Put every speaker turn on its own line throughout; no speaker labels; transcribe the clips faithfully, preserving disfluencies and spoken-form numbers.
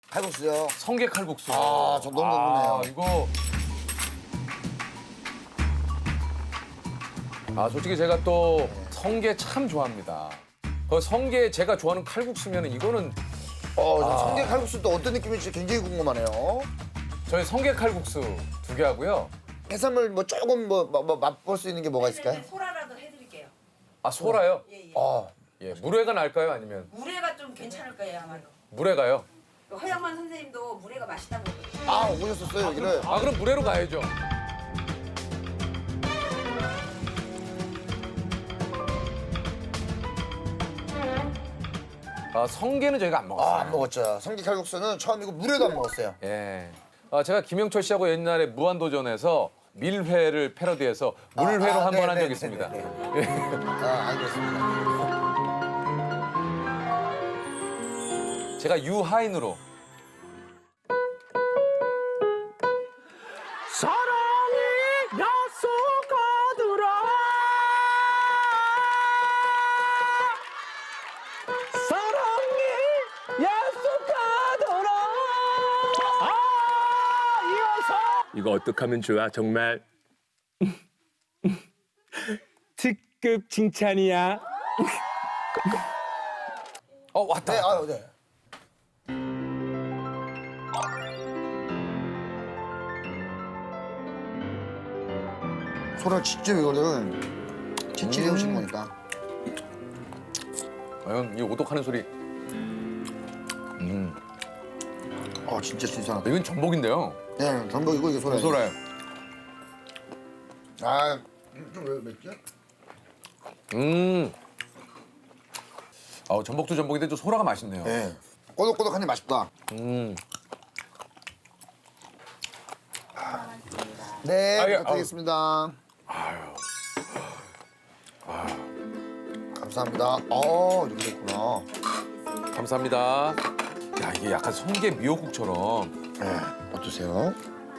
칼국수요.
성게 칼국수.
아, 저 너무 궁금해요.
아, 이거. 아, 솔직히 제가 또 성게 참 좋아합니다. 그 성게 제가 좋아하는 칼국수면 이거는
어, 저 성게 칼국수 또 어떤 느낌일지 굉장히 궁금하네요.
저희 성게 칼국수 두 개 하고요.
해산물 뭐 조금 뭐, 뭐, 뭐 맛볼 수 있는 게 뭐가 있을까요?
네, 소라라도 해드릴게요.
아, 소라요?
예, 예.
아,
예, 물회가 날까요? 아니면
물회가 좀 괜찮을 거예요, 아마도.
물회가요?
그 허영만 선생님도 물회가 맛있다고 그러거든요.
아 오셨었어요 여기를.
아, 그럼 물회로 가야죠. 아, 성게는 저희가 안 먹었어요.
아, 안 먹었죠. 성게 칼국수는 처음이고 물회도 안 먹었어요.
예. 아, 제가 김영철 씨하고 옛날에 무한도전에서 밀회를 패러디해서 물회로
아, 아,
한 번 한
네,
적이
네,
있습니다.
네, 아, 알겠습니다.
제가 유하인으로
사랑이 약속하더라 사랑이 약속하더라 아 이어서 이거 어떡하면 좋아 정말 특급 칭찬이야
어, 왔다.
네,
왔다.
아, 네. 소라 직접 이거를 채취해
음.
오신 거니까.
과연 이 오독하는 소리. 음,
아, 진짜 신선하다.
이건 전복인데요.
네, 전복이고 이게 소라.
소라요.
아, 좀 왜 맵지?
음. 아, 전복도 전복인데 또 소라가 맛있네요.
네. 꼬독꼬독하니 맛있다.
음.
네,
아, 예,
부탁드리겠습니다. 감사합니다. 어, 이렇게 됐구나.
감사합니다. 야, 이게 약간 성게 미역국처럼.
네, 어떠세요?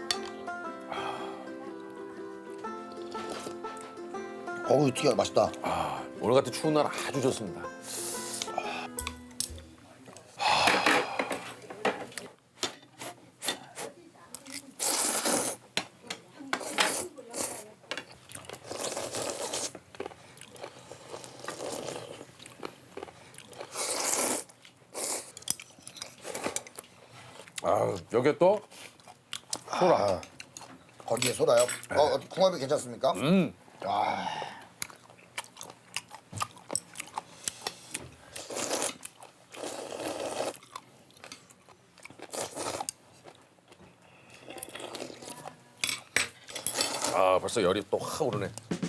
어우, 튀겨 맛있다.
아, 오늘 같은 추운 날 아주 좋습니다. 아, 여기에 또 소라.
아, 거기에 소라요? 어, 궁합이 괜찮습니까?
음.
아,
아, 벌써 열이 또 확 오르네.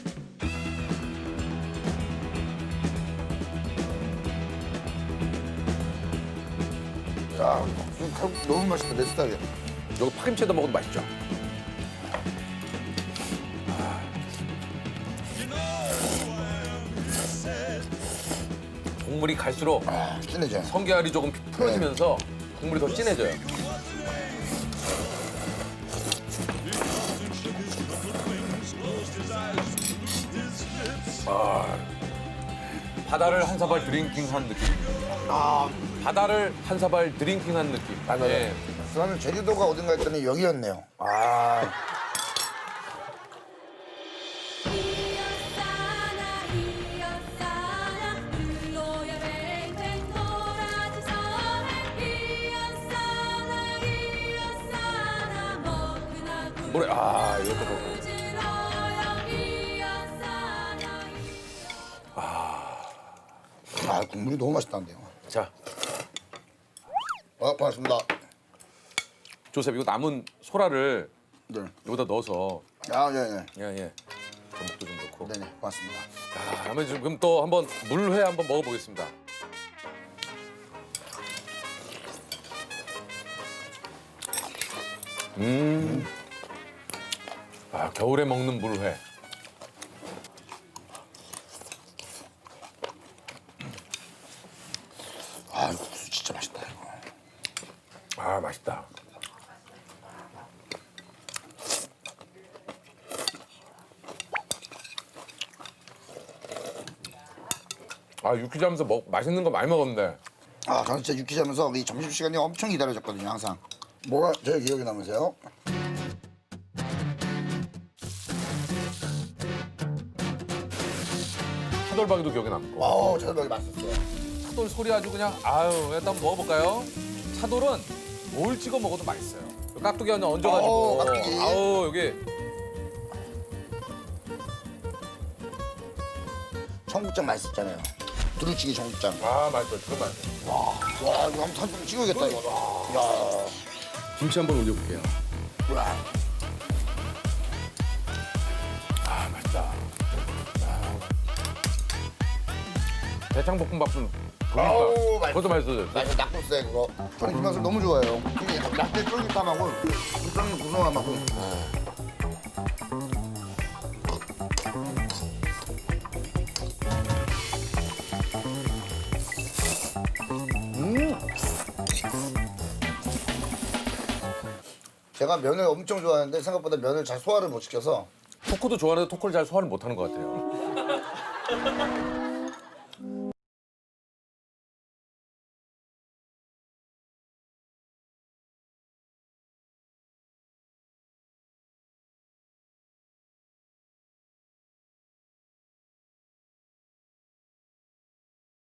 야, 지금 칼국수 너무 맛있다, 내 스타일이야.
여기 파김치에다 먹어도 맛있죠? 국물이 갈수록
아, 진해져.
성게알이 조금 풀어지면서 국물이 더 진해져요. 아, 바다를 한 사발 드링킹한 느낌.
아,
바다를 한 사발 드링킹한 느낌.
맞아요.
예.
저는 제주도가 어딘가 했더니 여기였네요. 아,
이었사나 이었사나 불로야 뱅뱅 도라지 섬에 이었사나 이었사나 먹으나
뭐래? 아, 이것도 그렇고.
굴지러요 이었사나
아, 국물이 너무 맛있다는데요.
자,
아, 고맙습니다.
조셉 이거 남은 소라를
네.
여기다 넣어서
아, 예, 예.
예, 예. 전복도 좀 넣고.
네네, 고맙습니다.
야, 그러면 지금 또 한번 물회 한번 먹어보겠습니다. 음. 아, 겨울에 먹는 물회.
아, 이거 국수 진짜 맛있다, 이거.
아, 맛있다. 아, 유퀴즈 하면서 먹, 맛있는 거 많이 먹었는데
아, 저는 진짜 유키자면서 이 점심시간이 엄청 기다려졌거든요, 항상. 뭐가 제일 기억에 남으세요?
차돌박이도 기억에 남고.
와우, 저녁이 맛있었어요.
차돌 소리 아주 그냥 아유 일단 먹어볼까요? 차돌은 뭘 찍어 먹어도 맛있어요. 깍두기 하나 얹어가지고
어, 깍두기.
아우 여기
청국장 맛있었잖아요. 두루치기 청국장.
아 맛있어요. 그거 맛있어요.
와, 이거 한번 한번 찍어야겠다, 이거. 야,
김치 한번 올려볼게요.
와.
아 맛있다. 대창볶음밥은
아우,
그러니까
맛있어.
그것도 맛있어요.
나 이거 낙고세 그거. 저는 이 맛을 너무 좋아해요. 이게 낙지 쫄깃함하고 국장 구성함하고. 음. 제가 면을 엄청 좋아하는데 생각보다 면을 잘 소화를 못 시켜서
토크도 좋아하는데 토크를 잘 소화를 못하는 것 같아요.